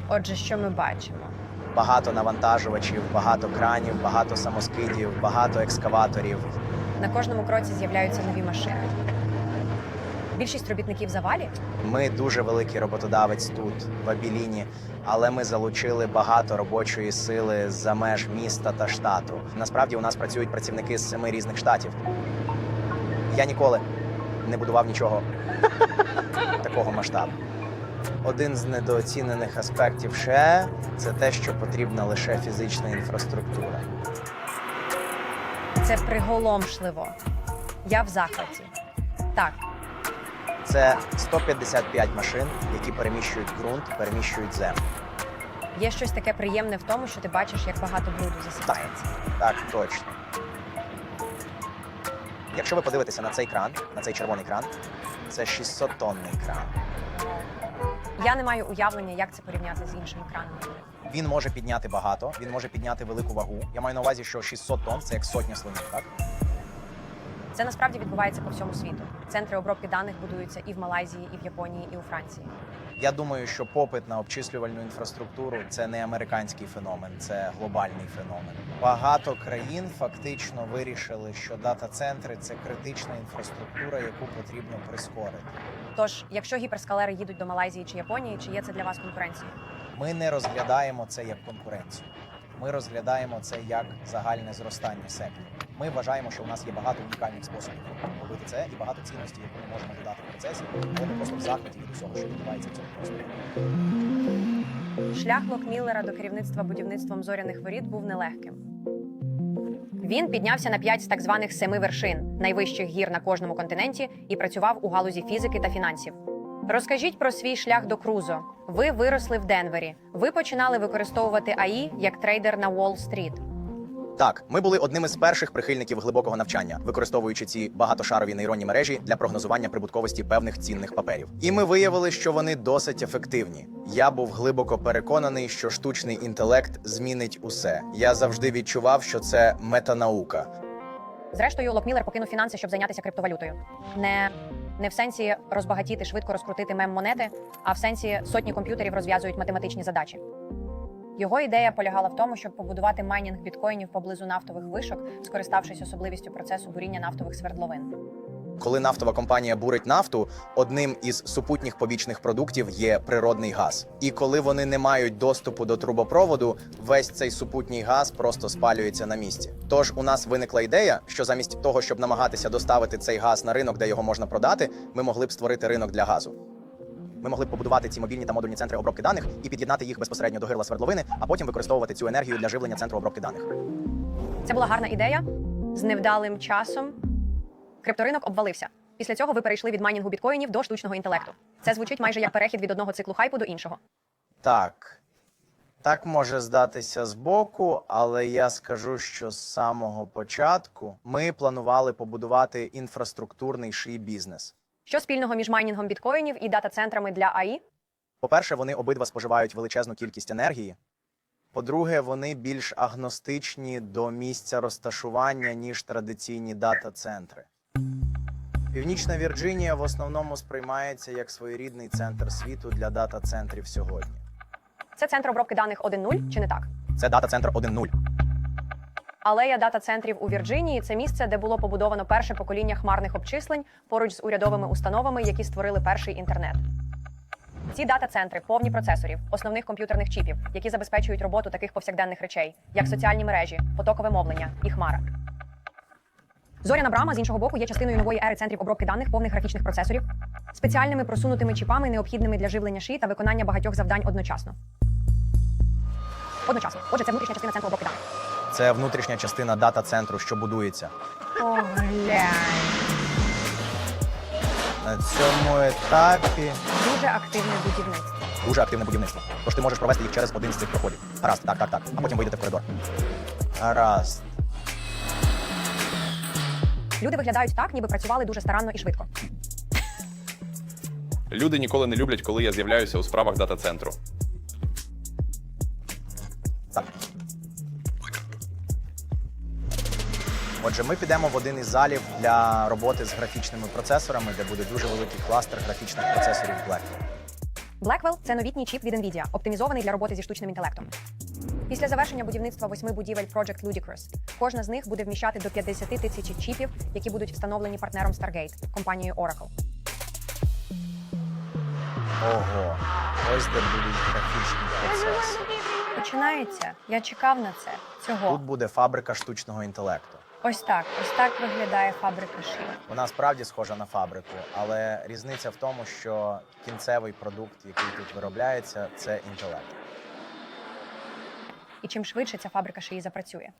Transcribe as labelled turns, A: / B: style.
A: Отже, що ми бачимо?
B: Багато навантажувачів, багато кранів, багато самоскидів, багато екскаваторів.
A: На кожному кроці з'являються нові машини. Більшість робітників в завалі.
B: Ми дуже великий роботодавець тут, в Абіліні, але ми залучили багато робочої сили з-за меж міста та штату. Насправді у нас працюють працівники з 7 різних штатів. Я ніколи не будував нічого такого масштабу. Один з недооцінених аспектів ще – це те, що потрібна лише фізична інфраструктура.
A: Це приголомшливо. Я в захваті. Так,
B: Це 155 машин, які переміщують ґрунт, переміщують землю.
A: є щось таке приємне в тому, що ти бачиш, як багато бруду засипається.
B: Так, точно. Якщо ви подивитеся на цей кран, на цей червоний кран, це 600-тонний кран.
A: Я не маю уявлення, як це порівняти з іншими кранами.
B: Він може підняти багато, він може підняти велику вагу. Я маю на увазі, що 600 тонн – це як сотня слонів, так?
A: Це насправді відбувається по всьому світу. Центри обробки даних будуються і в Малайзії, і в Японії, і у Франції.
B: Я думаю, що попит на обчислювальну інфраструктуру – це не американський феномен, це глобальний феномен. Багато країн фактично вирішили, що дата-центри – це критична інфраструктура, яку потрібно прискорити.
A: Тож, якщо гіперскалери їдуть до Малайзії чи Японії, чи є це для вас конкуренцією?
B: Ми не розглядаємо це як конкуренцію. Ми розглядаємо це як загальне зростання сектору. Ми вважаємо, що у нас є багато унікальних способів робити це і багато цінності, яку ми можемо додати в процесі, але ми просто в захваті від усього, що відбувається в цьому просторі.
A: Шлях Локміллера до керівництва будівництвом зоряних воріт був нелегким. Він піднявся на 5 з так званих 7 вершин, найвищих гір на кожному континенті, і працював у галузі фізики та фінансів. Розкажіть про свій шлях до Крузо. Ви виросли в Денвері. Ви починали використовувати АІ як трейдер на Уолл-стріт.
B: Так, ми були одним із перших прихильників глибокого навчання, використовуючи ці багатошарові нейронні мережі для прогнозування прибутковості певних цінних паперів. І ми виявили, що вони досить ефективні. Я був глибоко переконаний, що штучний інтелект змінить усе. Я завжди відчував, що це метанаука.
A: Зрештою, Локміллер покинув фінанси, щоб зайнятися криптовалютою. Не в сенсі розбагатіти, швидко розкрутити мем-монети, а в сенсі сотні комп'ютерів розв'язують математичні задачі. Його ідея полягала в тому, щоб побудувати майнінг біткоїнів поблизу нафтових вишок, скориставшись особливістю процесу буріння нафтових свердловин.
B: Коли нафтова компанія бурить нафту, одним із супутніх побічних продуктів є природний газ. І коли вони не мають доступу до трубопроводу, весь цей супутній газ просто спалюється на місці. Тож у нас виникла ідея, що замість того, щоб намагатися доставити цей газ на ринок, де його можна продати, ми могли б створити ринок для газу. Ми могли б побудувати ці мобільні та модульні центри обробки даних і під'єднати їх безпосередньо до гирла свердловини, а потім використовувати цю енергію для живлення центру обробки даних.
A: Це була гарна ідея. З невдалим часом крипторинок обвалився. Після цього ви перейшли від майнінгу біткоїнів до штучного інтелекту. Це звучить майже як перехід від одного циклу хайпу до іншого.
B: Так може здатися збоку, але я скажу, що з самого початку ми планували побудувати інфраструктурний ший-бізнес.
A: Що спільного між майнінгом біткоїнів і дата-центрами для АІ?
B: По-перше, вони обидва споживають величезну кількість енергії. По-друге, вони більш агностичні до місця розташування, ніж традиційні дата-центри. Північна Вірджинія в основному сприймається як своєрідний центр світу для дата-центрів сьогодні.
A: Це центр обробки даних 1.0, чи не так?
B: Це дата-центр 1.0.
A: Алея дата-центрів у Вірджинії – це місце, де було побудовано перше покоління хмарних обчислень поруч з урядовими установами, які створили перший інтернет. Ці дата-центри повні процесорів, основних комп'ютерних чіпів, які забезпечують роботу таких повсякденних речей, як соціальні мережі, потокове мовлення і хмара. Зоряна брама, з іншого боку, є частиною нової ери центрів обробки даних повних графічних процесорів, спеціальними просунутими чіпами, необхідними для живлення ши та виконання багатьох завдань одночасно. Отже, це внутрішня частина центру обробки даних.
B: Це внутрішня частина дата-центру, що будується.
A: О, глянь.
B: На цьому етапі
A: Дуже активне будівництво.
B: дуже активне будівництво. Тож ти можеш провести їх через один з цих проходів. Гаразд, так. А потім вийдете в коридор. Гаразд.
A: Люди виглядають так, ніби працювали дуже старанно і швидко.
C: Люди ніколи не люблять, коли я з'являюся у справах дата-центру.
B: Так. Отже, ми підемо в один із залів для роботи з графічними процесорами, де буде дуже великий кластер графічних процесорів Blackwell.
A: Blackwell – це новітній чіп від NVIDIA, оптимізований для роботи зі штучним інтелектом. Після завершення будівництва 8 будівель Project Ludicrous, кожна з них буде вміщати до 50 тисяч чіпів, які будуть встановлені партнером Stargate, компанією Oracle.
B: Ого, ось де будуть графічні процеси.
A: Починається. Я чекав на це. Цього.
B: Тут буде фабрика штучного інтелекту.
A: Ось так виглядає фабрика шин.
B: Вона справді схожа на фабрику, але різниця в тому, що кінцевий продукт, який тут виробляється, це інтелект.
A: І чим швидше ця фабрика шиї запрацює.